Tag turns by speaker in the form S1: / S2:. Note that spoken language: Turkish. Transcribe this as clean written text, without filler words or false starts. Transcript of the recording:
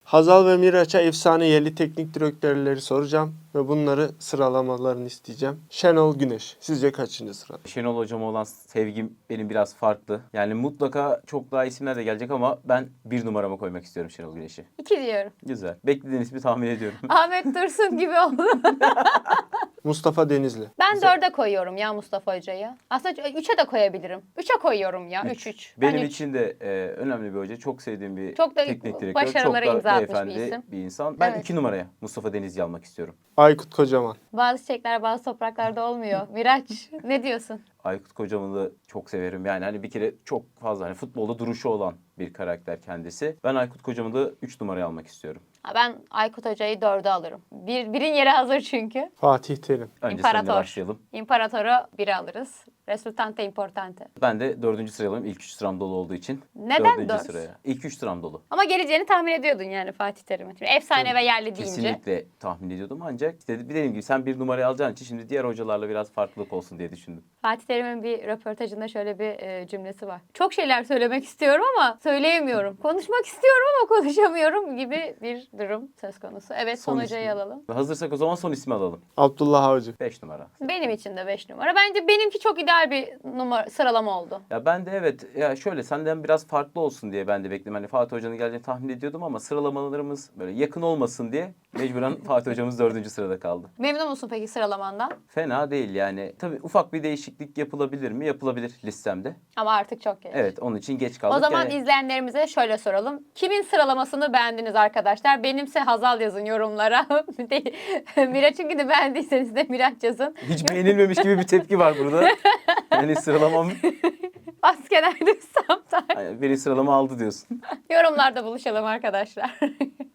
S1: Hazal ve Miraç'a efsane yerli teknik direktörleri soracağım ve bunları sıralamalarını isteyeceğim. Şenol Güneş, sizce kaçıncı sırada?
S2: Şenol hocama olan sevgim benim biraz farklı. Yani mutlaka çok daha isimler de gelecek ama ben bir numarama koymak istiyorum Şenol Güneş'i.
S3: 2 diyorum.
S2: Güzel. Beklediğiniz ismi tahmin ediyorum.
S3: Ahmet Dursun gibi oldu.
S1: Mustafa Denizli.
S3: Ben 4'e koyuyorum ya Mustafa Hoca'yı. Aslında 3'e de koyabilirim. 3'e koyuyorum ya. 3-3.
S2: Benim için de önemli bir hoca. Çok sevdiğim bir
S3: Çok da
S2: teknik direktör.
S3: başarılara
S2: çok da
S3: imza atmış bir
S2: beyefendi
S3: isim.
S2: bir insan. Ben
S3: Evet.
S2: 2 numaraya Mustafa Denizli'yi almak istiyorum.
S1: Aykut Kocaman.
S3: Bazı çiçekler bazı topraklarda olmuyor. Miraç ne diyorsun?
S2: Aykut Kocaman'ı da çok severim. Yani hani bir kere çok fazla hani futbolda duruşu olan bir karakter kendisi. Ben Aykut Kocaman'ı da 3 numaraya almak istiyorum.
S3: Ben Aykut Hoca'yı 4'e alırım. Birin yeri hazır çünkü.
S1: Fatih Terim.
S2: Önce
S3: İmparator.
S2: seninle başlayalım.
S3: İmparatoru 1'e alırız. Resultante importante.
S2: Ben de 4. sıraya alayım. İlk 3 sıram dolu olduğu için.
S3: Neden
S2: 4.
S3: 4?
S2: sıraya. İlk 3 sıram dolu.
S3: Ama geleceğini tahmin ediyordun yani Fatih Terim'in. Şimdi efsane ve yerli deyince.
S2: Kesinlikle tahmin ediyordum ancak işte dediğim gibi sen 1 numarayı alacağın için şimdi diğer hocalarla biraz farklılık olsun diye düşündüm.
S3: Fatih Terim'in bir röportajında şöyle bir cümlesi var. Çok şeyler söylemek istiyorum ama söyleyemiyorum. Konuşmak istiyorum ama konuşamıyorum gibi bir durum söz konusu. Evet son hocayı
S2: ismi.
S3: alalım.
S2: Hazırsak o zaman son ismi alalım.
S1: Abdullah Avcı.
S2: 5 numara.
S3: Benim için de 5 numara. Bence benimki çok ideal bir sıralama oldu.
S2: Ya ben de evet ya şöyle senden biraz farklı olsun diye ben de bekledim. Hani Fatih Hoca'nın geleceğini tahmin ediyordum ama sıralamalarımız böyle yakın olmasın diye mecburen Fatih Hocamız 4. sırada kaldı.
S3: Memnun musun peki sıralamandan?
S2: Fena değil yani. Tabii ufak bir değişiklik yapılabilir mi? Yapılabilir listemde.
S3: Ama artık çok geç.
S2: Evet onun için geç kaldık.
S3: O zaman
S2: Yani
S3: izleyenlerimize şöyle soralım. Kimin sıralamasını beğendiniz arkadaşlar? Benimse Hazal yazın yorumlara. Miraç'ınkini de beğendiyseniz de Miraç yazın.
S2: hiç beğenilmemiş gibi bir tepki var burada. Yani sıralamam
S3: Askerlerdi Samtar.
S2: beni sıralama aldı diyorsun.
S3: Yorumlarda buluşalım arkadaşlar.